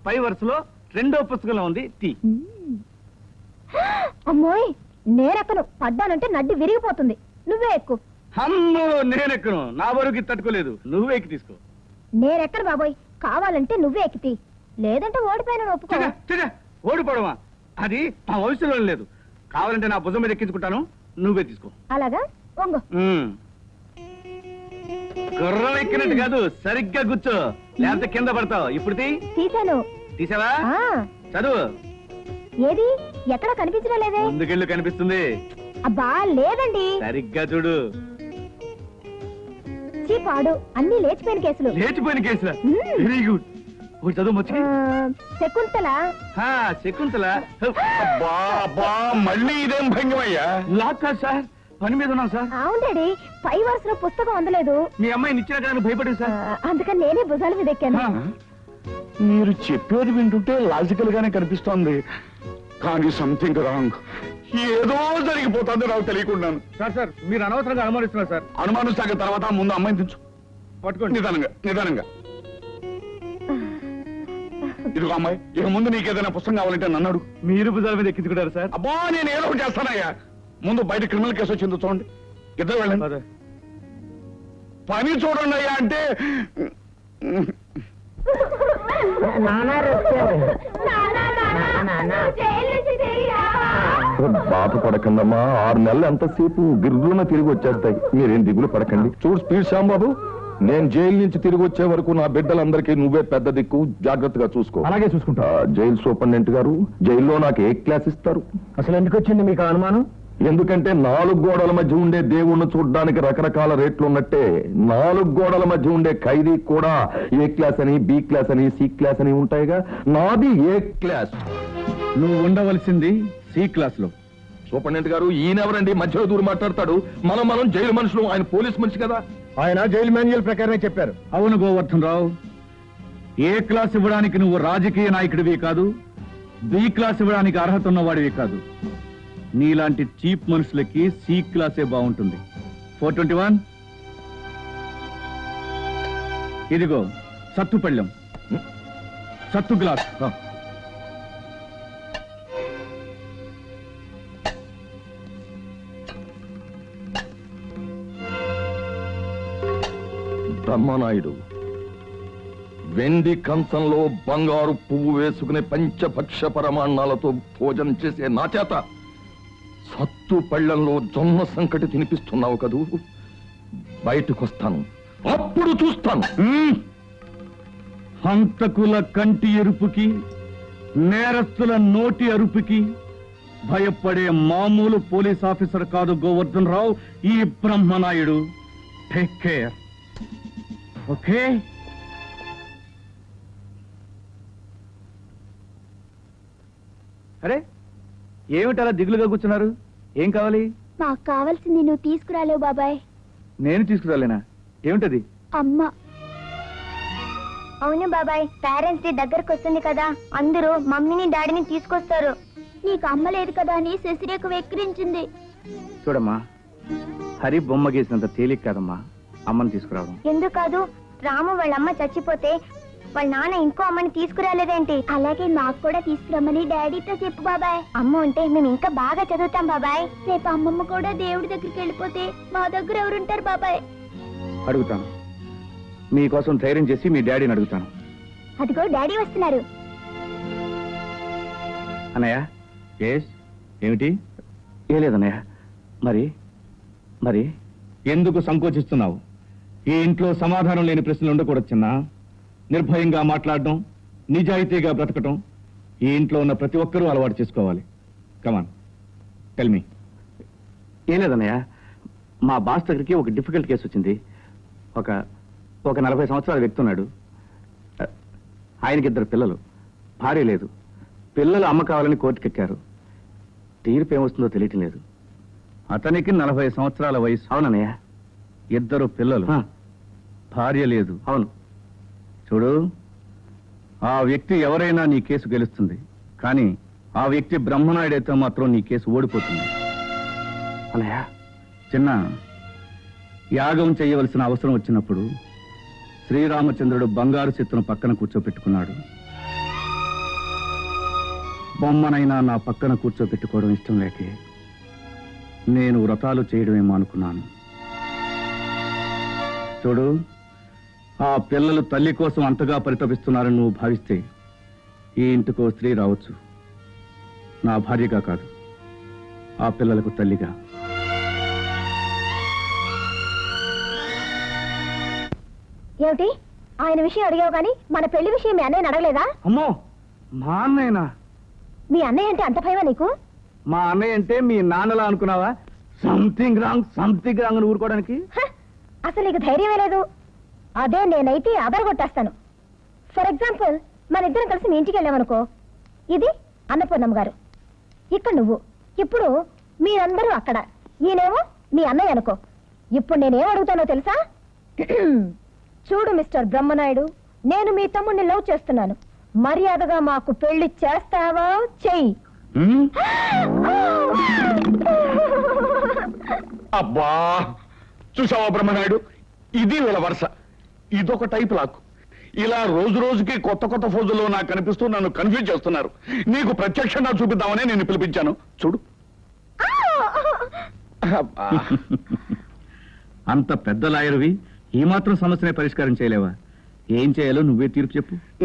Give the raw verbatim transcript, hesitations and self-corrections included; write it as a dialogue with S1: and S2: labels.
S1: పై వరుసలో రెండో పుస్తకంలో ఉంది టీ.
S2: అమ్మోయ్ నేనెక్కను, పడ్డానంటే నడ్డి విరిగిపోతుంది. నువ్వే ఎక్కు.
S1: అమ్మో నేనెక్కను, నా వరకు తట్టుకోలేదు, నువ్వే ఎక్కి తీసుకో.
S2: నేనెక్కను బాబోయ్, కావాలంటే నువ్వే ఎక్కితి, లేదంటే ఓడిపోయిన ఒప్పుకో.
S1: ఓడిపోవడమా? అది మా వయసులో లేదు. కావాలంటే నా భుజం మీద ఎక్కించుకుంటాను, నువ్వే తీసుకో.
S2: అలాగా వంగు.
S1: గుర్రం ఎక్కినట్టు కాదు, సరిగ్గా కూర్చో, లేకపోతే కింద పడతావు. ఇప్పుడు
S2: తీసాను.
S1: తీసావా? చదువు.
S2: ఏది ఎక్కడ కనిపించడం లేదే.
S1: ముందుకెళ్ళు, కనిపిస్తుంది.
S2: అబ్బా లేదండి.
S1: సరిగ్గా చూడు.
S2: చీపాడు, అన్ని లేచిపోయిన కేసులు.
S1: లేచిపోయిన కేసులా? Very good. చదువు వచ్చి.
S2: శకుంతల.
S1: శకుంతల.
S3: మళ్ళీ ఇదేం భంగమయ్యా?
S1: లాక్ కాదు సార్, పని మీద ఉన్నాం సార్.
S2: అవును డాడీ, పై వరుసలో పుస్తకం అందలేదు.
S1: మీ అమ్మాయి నిచ్చిన కానీ భయపడింది సార్,
S2: అందుకని నేనే భుజాల మీద ఎక్కాను.
S3: మీరు చెప్పేది వింటుంటే లాజికల్ గానే కనిపిస్తోంది, కానీ సంథింగ్ రాంగ్. ఏదో జరిగిపోతుంది నాకు తెలియకుండాను.
S1: సార్ సార్ మీరు అనవసరంగా అనుమానిస్తున్నారు సార్.
S3: అనుమానిస్తాక తర్వాత ముందు అమ్మాయిని తెచ్చు.
S1: పట్టుకోండి.
S3: నిదానంగా నిదానంగా. ఇదిగో అమ్మాయి, ఇక ముందు నీకేదైనా పుస్తకం కావాలంటే నన్ను అడుగు.
S1: మీరు భుజాల మీద ఎక్కించుకుంటారు సార్.
S3: అబ్బా నేను ఏదో ఒకటి చేస్తానయ్యా. ముందు బయట క్రిమినల్ కేసు వచ్చిందో చూడండి. ఇద్దరు వెళ్ళండి, పని చూడండి అయ్యా అంటే.
S4: బాధపడకండమ్మా, ఆరు నెలలు ఎంతసేపు గిర్రున తిరిగి వచ్చేస్తాయి. మీరేం దిగులు పడకండి. చూడు స్పీడ్ శ్యాంబాబు, నేను జైలు నుంచి తిరిగి వచ్చే వరకు నా బిడ్డలందరికీ నువ్వే పెద్ద దిక్కు, జాగ్రత్తగా చూసుకో.
S1: అలాగే చూసుకుంటా.
S4: జైలు సూపరింటెండెంట్ గారు జైల్లో నాకు ఏ క్లాస్ ఇస్తారు?
S1: అసలు ఎందుకు వచ్చింది మీకు అనుమానం?
S4: ఎందుకంటే నాలుగు గోడల మధ్య ఉండే దేవుణ్ణి చూడడానికి రకరకాల రేట్లు ఉన్నట్టే నాలుగు గోడల మధ్య ఉండే ఖైదీ కూడా ఏ క్లాస్ అని, బి క్లాస్ అని, సి క్లాస్ అని ఉంటాయిగా. నాది ఏ క్లాస్.
S1: నువ్వు ఉండవలసింది సి క్లాస్ లో.
S4: సూపరింటెండెంట్ గారు ఈయనెవరండి మధ్యలో దూరం మాట్లాడతాడు? మనం మనం జైలు మనుషులు, ఆయన పోలీస్ మనిషి కదా.
S1: ఆయన జైలు మాన్యువల్ ప్రకారమే చెప్పారు. అవును గోవర్ధన్ రావు, ఏ క్లాస్ ఇవ్వడానికి నువ్వు రాజకీయ నాయకుడివి కాదు, బి క్లాస్ ఇవ్వడానికి అర్హత ఉన్నవాడివి కాదు. నీలాంటి చీప్ మనుషులకి సి క్లాసే బాగుంటుంది. ఫోర్ ట్వంటీ వన్ ఇదిగో సత్తు పళ్ళెం, సత్తు గ్లాస్.
S4: బ్రహ్మనాయుడు వెండి కంచంలో బంగారు పువ్వు వేసుకునే పంచభక్ష పరమాన్నాలతో భోజనం చేసే నా చేత సత్తు పళ్ళంలో జొన్న సంకటి తినిపిస్తున్నావు కదూ. బయటకొస్తాను, అప్పుడు చూస్తాను.
S1: హంతకుల కంటి ఎరుపుకి, నేరస్తుల నోటి అరుపుకి భయపడే మామూలు పోలీస్ ఆఫీసర్ కాదు గోవర్ధన్ రావు ఈ బ్రహ్మనాయుడు. Take care, okay? అరే ఏమిటలా దిగులుగా కూర్చున్నారు? ఏం కావాలి?
S2: మాకు కావాల్సింది నువ్వు తీసుకురాలేవు బాబాయ్.
S1: నేను తీసుకురాలేనా? ఏమిటది?
S2: అమ్మ. అవును బాబాయ్, పేరెంట్స్ డే దగ్గరకు వస్తుంది కదా, అందరూ మమ్మీని డాడీని తీసుకొస్తారు. నీకు అమ్మ లేదు కదా అని శశిరేఖ వెక్కిరించింది.
S1: చూడమ్మా, హరి బొమ్మ గీసినంత తేలిక కాదమ్మా అమ్మని తీసుకురావడం.
S2: ఎందుకు కాదు? రాము వాళ్ళ అమ్మ చచ్చిపోతే వాళ్ళ నాన్న ఇంకో అమ్మని తీసుకురాలేదేంటి? అలాగే మాకు కూడా తీసుకురమ్మని డాడీతో చెప్పు బాబాయ్. అమ్మ ఉంటే మేము ఇంకా బాగా చదువుతాం బాబాయ్. రేపు అమ్మమ్మ కూడా దేవుడి దగ్గరికి వెళ్ళిపోతే మా దగ్గర ఎవరుంటారు బాబాయ్?
S1: అడుగుతాను, మీకోసం ధైర్యం చేసి మీ డాడీని అడుగుతాను.
S2: అదిగో డాడీ వస్తున్నారు.
S1: అన్నయ్య. ఎస్, ఏమిటి? ఏ లేదన్నయ్య. మరి మరి ఎందుకు సంకోచిస్తున్నావు? ఈ ఇంట్లో సమాధానం లేని ప్రశ్నలు ఉండకూడదు చిన్నా. నిర్భయంగా మాట్లాడడం, నిజాయితీగా బ్రతకటం ఈ ఇంట్లో ఉన్న ప్రతి ఒక్కరూ అలవాటు చేసుకోవాలి. Come on, tell me. ఏం లేదన్నయ్య, మా బాస్ దగ్గరికి ఒక డిఫికల్ట్ కేసు వచ్చింది. ఒక ఒక నలభై సంవత్సరాల వ్యక్తి ఉన్నాడు. ఆయనకి ఇద్దరు పిల్లలు, భార్య లేదు. పిల్లలు అమ్మ కావాలని కోర్టుకెక్కారు. తీర్పు ఏమొస్తుందో తెలియటం లేదు. అతనికి నలభై సంవత్సరాల వయసు. అవునన్నయ్య. ఇద్దరు పిల్లలు, భార్య లేదు. అవును. చూడు, ఆ వ్యక్తి ఎవరైనా నీ కేసు గెలుస్తుంది, కానీ ఆ వ్యక్తి బ్రహ్మనాయుడైతే మాత్రం నీ కేసు ఓడిపోతుంది. అన్నయ్య, చిన్న యాగం చేయవలసిన అవసరం వచ్చినప్పుడు శ్రీరామచంద్రుడు బంగారు చిత్తును పక్కన కూర్చోపెట్టుకున్నాడు. బొమ్మనైనా నా పక్కన కూర్చోబెట్టుకోవడం ఇష్టం లేకే నేను వ్రతాలు చేయడమేమో అనుకున్నాను. చూడు, ఆ పిల్లలు తల్లి కోసం అంతగా పరితపిస్తున్నారని నువ్వు భావిస్తే ఈ ఇంటికో స్త్రీ రావచ్చు, నా భార్యగా కాదు, ఆ పిల్లలకు తల్లిగా.
S2: ఏమిటి ఆయన విషయం అడిగావు కానీ మన పెళ్లి విషయం మీ అన్నయ్యని అడగలేదా?
S1: అమ్మో, మా అన్నయ్యనా?
S2: మీ అన్నయ్య అంటే అంత భయమా నీకు?
S1: మా అన్నయ్య అంటే మీ నాన్నలా అనుకున్నావా? సంథింగ్ రాంగ్ సంథింగ్ రాంగ్ అని ఊరుకోవడానికి.
S2: హ! అసలు నీకు ధైర్యమే లేదు. అదే నేనైతే అదరగొట్టేస్తాను. ఫర్ ఎగ్జాంపుల్, మన ఇద్దరం కలిసి మీ ఇంటికి వెళ్ళామనుకో, ఇది అన్నపూర్ణమ్మ గారు, ఇక్కడ నువ్వు, ఇప్పుడు మీరందరూ అక్కడ, ఈయనేమో మీ అన్నయ్య అనుకో. ఇప్పుడు నేనేం అడుగుతానో తెలుసా? చూడు మిస్టర్ బ్రహ్మనాయుడు, నేను మీ తమ్ముడిని లవ్ చేస్తున్నాను. మర్యాదగా మాకు పెళ్లి చేస్తావా? చెయ్యి.
S3: హ్మ్? అబ్బా, చూసావా బ్రహ్మనాయుడు, ఇది వీళ్ళ వరుస. ఇదొక టైప్ లాక్. ఇలా రోజు రోజుకి కొత్త కొత్త ఫోజుల్లో నాకు కనిపిస్తూ నన్ను కన్ఫ్యూజ్ చేస్తున్నారు. నీకు ప్రత్యక్షంగా చూపిద్దామని నేను పిలిపించాను. చూడు. అబ్బా.
S1: అంత పెద్ద లాయరువి ఈ మాత్రం సమస్యనే పరిష్కారం చేయలేవా? ఏం చేయాలో నువ్వే తీర్పు చెప్పు.